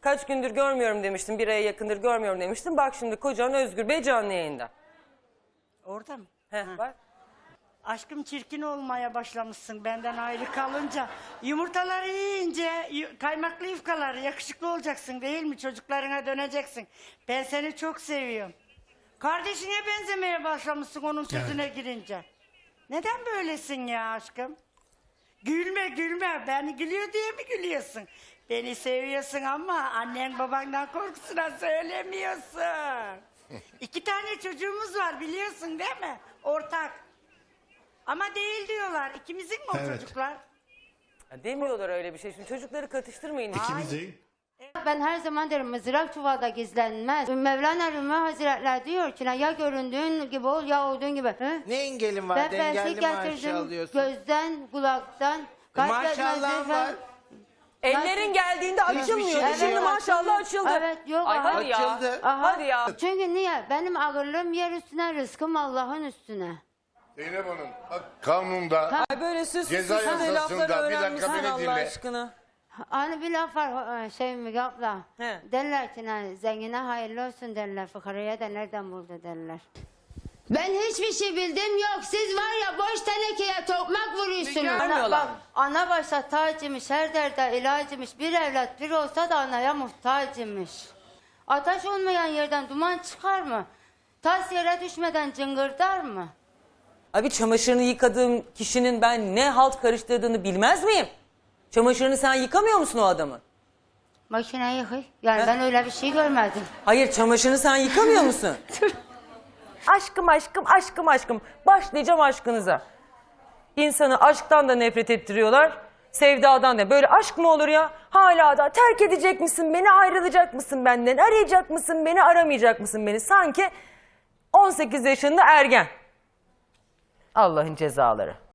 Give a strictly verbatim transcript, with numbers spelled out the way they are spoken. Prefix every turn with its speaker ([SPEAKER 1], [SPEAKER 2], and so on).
[SPEAKER 1] Kaç gündür görmüyorum demiştin, bir aya yakındır görmüyorum demiştin. Bak şimdi kocan Özgür Bey canlı yayında.
[SPEAKER 2] Orada mı?
[SPEAKER 1] Heh,
[SPEAKER 2] Ha.
[SPEAKER 1] bak.
[SPEAKER 2] Aşkım çirkin olmaya başlamışsın benden ayrı kalınca. Yumurtaları yiyince yu- kaymaklı yufkaları yakışıklı olacaksın değil mi? Çocuklarına döneceksin. Ben seni çok seviyorum. Kardeşine benzemeye başlamışsın onun sözüne girince. Neden böylesin ya aşkım? Gülme gülme. Beni gülüyor diye mi gülüyorsun? Beni seviyorsun ama annen babandan korkusuna söylemiyorsun. İki tane çocuğumuz var biliyorsun değil mi? Ortak. Ama değil diyorlar. İkimizin mi o
[SPEAKER 3] Evet.
[SPEAKER 2] çocuklar?
[SPEAKER 1] Ya demiyorlar öyle bir şey. Şimdi çocukları katıştırmayın.
[SPEAKER 3] İkimiz değil.
[SPEAKER 4] Ben her zaman derim mızrak çuvalda gizlenmez. Mevlana Rumi Hazretleri diyor ki ya göründüğün gibi ol ya olduğun gibi. Hı?
[SPEAKER 5] Ne engelin var?
[SPEAKER 4] Ben
[SPEAKER 5] Engelli
[SPEAKER 4] felsefe
[SPEAKER 5] maaşı
[SPEAKER 4] getirdim
[SPEAKER 5] alıyorsun.
[SPEAKER 4] gözden, kulaktan. kalp
[SPEAKER 5] Maşallah
[SPEAKER 4] yetmezliği
[SPEAKER 5] var.
[SPEAKER 4] falan.
[SPEAKER 1] Ellerin geldiğinde açılmıyordu.
[SPEAKER 4] Evet,
[SPEAKER 1] Şimdi maşallah açıldı.
[SPEAKER 4] Evet, yok,
[SPEAKER 1] Ay
[SPEAKER 4] aha.
[SPEAKER 1] hadi ya.
[SPEAKER 5] Açıldı.
[SPEAKER 4] Aha.
[SPEAKER 1] Hadi ya.
[SPEAKER 4] Çünkü niye? Benim ağırlığım yer üstüne, rızkım Allah'ın üstüne.
[SPEAKER 6] Zeynep Hanım, bak kanunda
[SPEAKER 1] Ay böyle süs
[SPEAKER 6] Ceza
[SPEAKER 1] süs lafları
[SPEAKER 6] yasasında, bir dakika
[SPEAKER 1] öğrenmişsin
[SPEAKER 6] beni
[SPEAKER 1] Allah
[SPEAKER 6] dinle.
[SPEAKER 1] aşkına.
[SPEAKER 4] Hani bir laf var e, şey mi abla?
[SPEAKER 1] He.
[SPEAKER 4] Derler ki hani, zengine hayırlı olsun derler, fıkaraya da nereden buldu derler. Ben hiçbir şey bildim yok. Siz var ya boş tenekeye tokmak vuruyorsunuz. Ana,
[SPEAKER 1] Görmüyorlar
[SPEAKER 4] bak,
[SPEAKER 1] mı?
[SPEAKER 4] ana başta tacıymış, her derde ilacıymış. Bir evlat bir olsa da anaya muhtacıymış. Ateş olmayan yerden duman çıkar mı? Tas yere düşmeden cıngırdar mı?
[SPEAKER 1] Abi çamaşırını yıkadığım kişinin ben ne halt karıştırdığını bilmez miyim? Çamaşırını sen yıkamıyor musun o adamın?
[SPEAKER 4] Makine yıkay. Yani
[SPEAKER 1] He?
[SPEAKER 4] ben öyle bir şey görmedim.
[SPEAKER 1] Hayır çamaşırını sen yıkamıyor musun? Aşkım aşkım aşkım aşkım. Başlayacağım aşkınıza. İnsanı aşktan da nefret ettiriyorlar. Sevdadan da. Böyle aşk mı olur ya? Hala da terk edecek misin beni, ayrılacak mısın benden? Arayacak mısın beni, aramayacak mısın beni? Sanki on sekiz yaşında ergen. Allah'ın cezaları.